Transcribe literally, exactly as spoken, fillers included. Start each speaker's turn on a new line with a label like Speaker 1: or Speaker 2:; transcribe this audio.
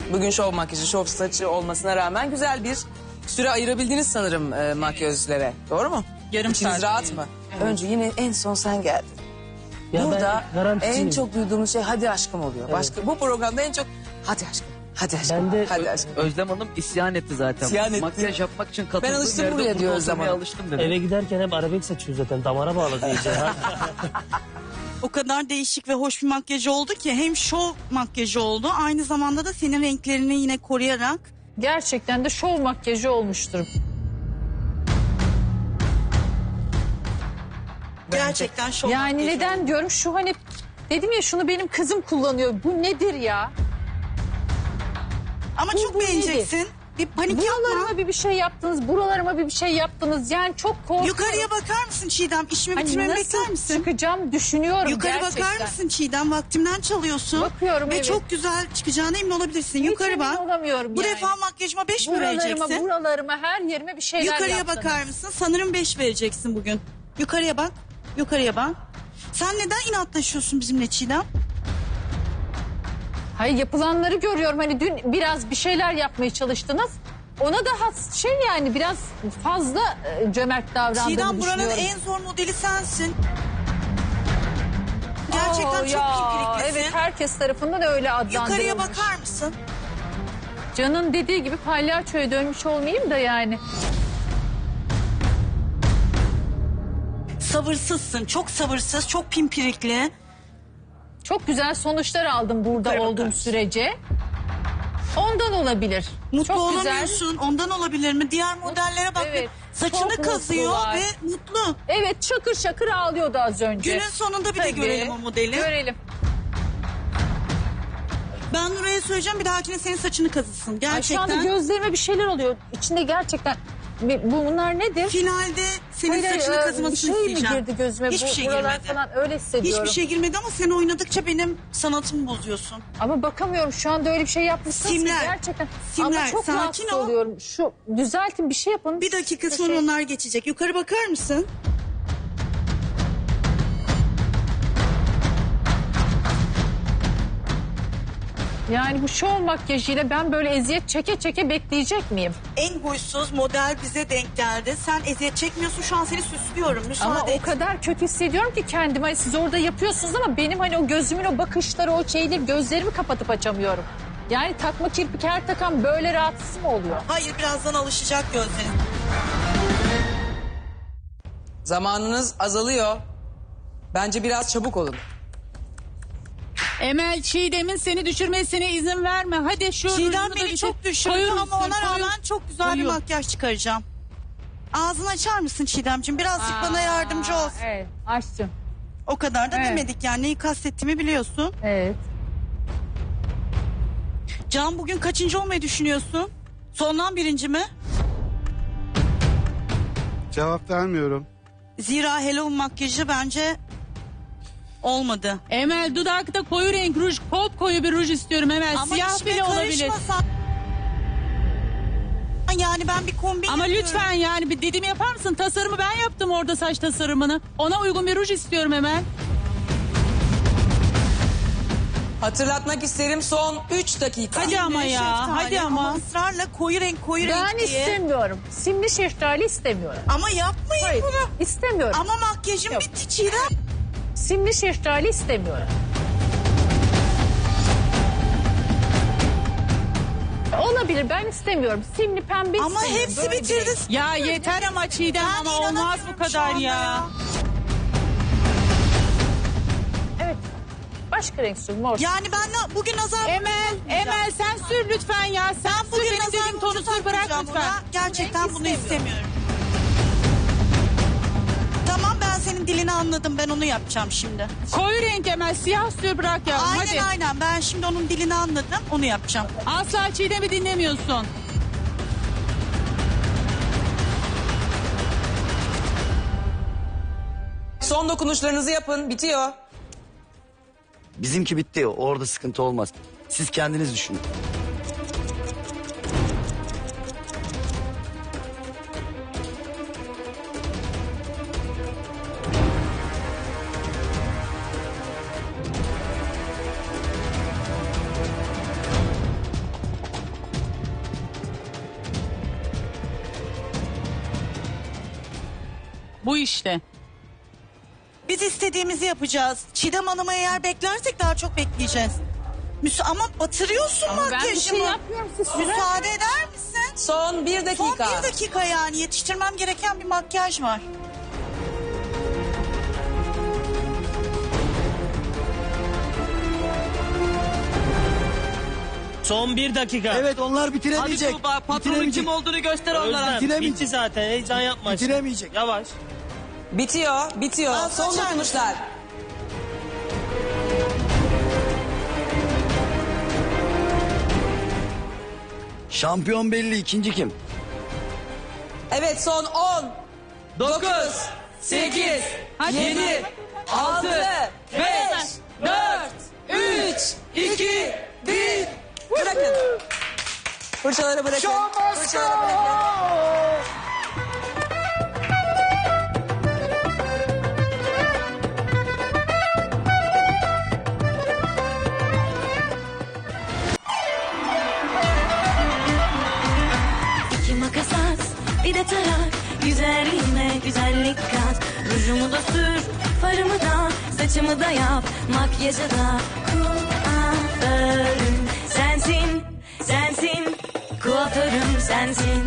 Speaker 1: Bugün şov makyajı, şov saçı olmasına rağmen güzel bir süre ayırabildiniz sanırım e, makyözlere. Doğru mu?
Speaker 2: Yarım
Speaker 1: İçiniz
Speaker 2: saat.
Speaker 1: rahat mı?
Speaker 2: Evet.
Speaker 1: Önce yine en son sen geldin.
Speaker 3: Ya
Speaker 1: Burada
Speaker 3: ben garanticiyim.
Speaker 1: en çok duyduğumuz şey hadi aşkım oluyor.
Speaker 3: Evet.
Speaker 1: Başka bu programda en çok hadi aşkım. Hadi aşkım.
Speaker 3: Ben de-
Speaker 1: hadi aşkım.
Speaker 4: Özlem Hanım isyan etti zaten.
Speaker 1: İsyan etti.
Speaker 4: Makyaj yapmak için katıldığım
Speaker 1: Ben alıştım
Speaker 4: yerde
Speaker 1: buraya
Speaker 4: burada
Speaker 1: diyor Özlem
Speaker 4: oturmaya
Speaker 1: Hanım.
Speaker 4: alıştım dedi.
Speaker 3: Eve giderken hep arabek saçıyor zaten. Damara bağladı iyice. Ha?
Speaker 2: O kadar değişik ve hoş bir makyajı oldu ki hem şov makyajı oldu aynı zamanda da senin renklerini yine koruyarak.
Speaker 5: Gerçekten de şov makyajı olmuştur.
Speaker 2: Gerçekten şov
Speaker 5: Yani
Speaker 2: makyajı
Speaker 5: neden
Speaker 2: oldu.
Speaker 5: diyorum şu hani dedim ya şunu benim kızım kullanıyor. Bu nedir ya?
Speaker 2: Ama
Speaker 5: Bu-
Speaker 2: çok
Speaker 5: bu
Speaker 2: beğeneceksin. Bir panik yapma.
Speaker 5: Buralarıma bir bir şey yaptınız, buralarıma bir bir şey yaptınız. Yani çok korkuyorum.
Speaker 2: Yukarıya bakar mısın Çiğdem? İşimi
Speaker 5: Hani
Speaker 2: bitirmemi
Speaker 5: nasıl
Speaker 2: bekler misin?
Speaker 5: çıkacağım düşünüyorum
Speaker 2: Yukarı
Speaker 5: gerçekten.
Speaker 2: bakar mısın Çiğdem? Vaktimden çalıyorsun.
Speaker 5: Bakıyorum,
Speaker 2: Ve
Speaker 5: evet.
Speaker 2: çok güzel çıkacağına emin olabilirsin.
Speaker 5: Hiç
Speaker 2: Yukarı
Speaker 5: emin
Speaker 2: bak.
Speaker 5: olamıyorum
Speaker 2: Bu
Speaker 5: yani.
Speaker 2: defa makyajıma beş mi
Speaker 5: Buralarıma,
Speaker 2: vereceksin?
Speaker 5: buralarıma, her yerime bir şeyler
Speaker 2: Yukarıya
Speaker 5: yaptınız.
Speaker 2: bakar mısın? Sanırım beş vereceksin bugün. Yukarıya bak. Yukarıya bak. Sen neden inatlaşıyorsun bizimle Çiğdem?
Speaker 5: Hayır, yapılanları görüyorum. Hani dün biraz bir şeyler yapmaya çalıştınız. Ona da has şey yani biraz fazla e, cömert davrandığını
Speaker 2: Çiğdem buranın
Speaker 5: düşünüyorum.
Speaker 2: en zor modeli sensin. Gerçekten
Speaker 5: Oo,
Speaker 2: çok
Speaker 5: ya,
Speaker 2: pimpiriklisin.
Speaker 5: evet, herkes tarafından öyle adlandırılmış.
Speaker 2: Yukarıya bakar mısın?
Speaker 5: Can'ın dediği gibi palyaçoya dönmüş olmayayım da yani.
Speaker 2: Sabırsızsın. Çok sabırsız, çok pimpirikli.
Speaker 5: Çok güzel sonuçlar aldım burada
Speaker 2: Yukarı
Speaker 5: olduğum
Speaker 2: bakarsın.
Speaker 5: sürece. Ondan olabilir.
Speaker 2: Mutlu
Speaker 5: Çok güzel.
Speaker 2: olamıyorsun. Ondan olabilir mi? Diğer modellere bak.
Speaker 5: Evet,
Speaker 2: Saçını
Speaker 5: çok
Speaker 2: kazıyor
Speaker 5: mutlular.
Speaker 2: ve mutlu.
Speaker 5: Evet, şakır şakır ağlıyordu az önce.
Speaker 2: Günün sonunda bir de
Speaker 5: Tabii.
Speaker 2: görelim o modeli.
Speaker 5: Görelim.
Speaker 2: Ben Nuray'a söyleyeceğim bir dahakine senin saçını kazısın.
Speaker 5: Ay,
Speaker 2: Gerçekten.
Speaker 5: şu anda gözlerime bir şeyler oluyor. İçinde gerçekten. Bir- Bunlar nedir?
Speaker 2: Finalde senin
Speaker 5: Hayır,
Speaker 2: saçını
Speaker 5: e,
Speaker 2: kazımasını
Speaker 5: bir şey mi
Speaker 2: isteyeceğim.
Speaker 5: girdi gözüme?
Speaker 2: Hiçbir
Speaker 5: Bu,
Speaker 2: şey
Speaker 5: buralar
Speaker 2: girmedi.
Speaker 5: falan öyle hissediyorum.
Speaker 2: Hiçbir şey girmedi ama sen oynadıkça benim sanatımı bozuyorsun.
Speaker 5: Ama bakamıyorum, şu anda öyle bir şey yapmışsınız
Speaker 2: Simler.
Speaker 5: ki gerçekten.
Speaker 2: Simler,
Speaker 5: Ama çok
Speaker 2: sakin
Speaker 5: rahatsız
Speaker 2: ol.
Speaker 5: oluyorum. Şu düzeltin, bir şey yapın.
Speaker 2: Bir dakika
Speaker 5: Şu
Speaker 2: sonra
Speaker 5: şey-
Speaker 2: onlar geçecek. Yukarı bakar mısın?
Speaker 5: Yani bu şov makyajıyla ben böyle eziyet çeke çeke bekleyecek miyim?
Speaker 2: En huysuz model bize denk geldi. Sen eziyet çekmiyorsun, şu an seni süslüyorum. Müsaade
Speaker 5: Ama o
Speaker 2: et.
Speaker 5: kadar kötü hissediyorum ki kendimi. Hani siz orada yapıyorsunuz ama benim hani o gözümün o bakışları, o şeyleri, gözlerimi kapatıp açamıyorum. Yani takma kirpik her takan böyle rahatsız mı oluyor?
Speaker 2: Hayır, birazdan alışacak gözlerin.
Speaker 1: Zamanınız azalıyor. Bence biraz çabuk olun.
Speaker 6: Emel, Çiğdem'in seni düşürmesine izin verme. Hadi şu
Speaker 2: Çiğdem
Speaker 6: rujunu da
Speaker 2: beni
Speaker 6: bir
Speaker 2: çok
Speaker 6: şey-
Speaker 2: düşürdü
Speaker 6: koyu
Speaker 2: ama
Speaker 6: ruj
Speaker 2: ona
Speaker 6: sür, koyu-
Speaker 2: rağmen çok güzel bir
Speaker 6: koyu.
Speaker 2: makyaj çıkaracağım. Ağzını açar mısın Çiğdemciğim? Birazcık bana yardımcı ol.
Speaker 5: Evet, açtım.
Speaker 2: O kadar da
Speaker 5: Evet.
Speaker 2: demedik yani. Neyi kastettiğimi biliyorsun.
Speaker 5: Evet.
Speaker 2: Can, bugün kaçıncı olmayı düşünüyorsun? Sondan birinci mi?
Speaker 7: Cevap vermiyorum.
Speaker 2: Zira Hello makyajı bence olmadı.
Speaker 6: Emel, dudakta koyu renk ruj, kop koyu bir ruj istiyorum Emel.
Speaker 2: Ama
Speaker 6: Siyah
Speaker 2: işime
Speaker 6: bile olabilir.
Speaker 2: karışmasan- Yani ben bir kombin
Speaker 6: Ama
Speaker 2: yapıyorum.
Speaker 6: lütfen yani bir dediğimi yapar mısın? Tasarımı ben yaptım orada, saç tasarımını. Ona uygun bir ruj istiyorum Emel.
Speaker 1: Hatırlatmak isterim son üç dakika.
Speaker 6: Hadi ama ya,
Speaker 2: Şeftali
Speaker 6: hadi ama.
Speaker 2: ısrarla koyu renk koyu
Speaker 5: Ben
Speaker 2: renk diye.
Speaker 5: istemiyorum. Simli şeftali istemiyorum.
Speaker 2: Ama yapmayın
Speaker 5: Hayır,
Speaker 2: bunu.
Speaker 5: istemiyorum.
Speaker 2: Ama makyajım
Speaker 5: Yok.
Speaker 2: bitti Çiğdem.
Speaker 5: Simli şeftali istemiyorum. Olabilir, ben istemiyorum. Simli pembe
Speaker 2: Ama
Speaker 5: istemiyorum.
Speaker 2: hepsi
Speaker 5: Böyle bir
Speaker 2: bitirdi.
Speaker 5: renk.
Speaker 6: Ya yeter ama Çiğdem,
Speaker 2: Ben
Speaker 6: ama olmaz
Speaker 2: inanamıyorum
Speaker 6: bu
Speaker 2: şu
Speaker 6: kadar
Speaker 2: anda
Speaker 6: ya.
Speaker 5: Evet. Başka renk sür, mor.
Speaker 2: Yani ben na- bugün nazar
Speaker 6: Emel, Emel sen sür lütfen ya. Sen
Speaker 2: ben
Speaker 6: sür,
Speaker 2: bugün
Speaker 6: benim
Speaker 2: nazar
Speaker 6: dediğim tonu
Speaker 2: boncuğu
Speaker 6: sür, bırak
Speaker 2: takmayacağım
Speaker 6: lütfen.
Speaker 2: ona. Gerçekten
Speaker 5: Renk
Speaker 2: bunu
Speaker 5: istemiyorum.
Speaker 2: istemiyorum. Tamam, ben senin dilini anladım. Ben onu yapacağım şimdi.
Speaker 6: Koyu renk Emel, siyah sür, bırak ya.
Speaker 2: Aynen
Speaker 6: Hadi.
Speaker 2: aynen. Ben şimdi onun dilini anladım. Onu yapacağım.
Speaker 6: Asla Çiğdem'i dinlemiyorsun.
Speaker 1: Son dokunuşlarınızı yapın, bitiyor.
Speaker 8: Bizimki bitti. Orada sıkıntı olmaz. Siz kendiniz düşünün.
Speaker 6: bu işte.
Speaker 2: Biz istediğimizi yapacağız. Çiğdem Hanım'ı eğer beklersek daha çok bekleyeceğiz. Müsa ama batırıyorsun
Speaker 5: Ama ben bir
Speaker 2: makyajımı.
Speaker 5: şey yapmıyorum, siz süre-
Speaker 2: Müsaade eder misin?
Speaker 1: Son bir dakika.
Speaker 2: Son bir dakika yani yetiştirmem gereken bir makyaj var.
Speaker 3: Son bir dakika.
Speaker 9: Evet onlar bitiremeyecek.
Speaker 4: Hadi Tuğba patronun
Speaker 9: Bitiremeyecek.
Speaker 4: kim olduğunu göster onlara.
Speaker 3: Özlem
Speaker 9: Bitiremeyecek.
Speaker 3: bitti zaten. Heyecan yapma. şimdi.
Speaker 9: Bitiremeyecek.
Speaker 3: Yavaş.
Speaker 1: Bitiyor, bitiyor.
Speaker 2: Aa,
Speaker 1: Son
Speaker 2: kaçar
Speaker 1: dokunuşlar.
Speaker 8: Şampiyon belli, ikinci kim?
Speaker 1: Evet, son on,
Speaker 4: Dokuz,
Speaker 1: sekiz,
Speaker 6: Hadi.
Speaker 1: yedi, altı, beş, dört, üç, iki, bir. Bırakın. Fırçaları bırakın. Fırçaları bırakın.
Speaker 10: İki makas at, bir de tarak. Güzelliğime güzellik kat. Rujumu da sür, farımı da, saçımı da yap. Makyajı da kuaförüm sensin, sensin. Kuaförüm sensin.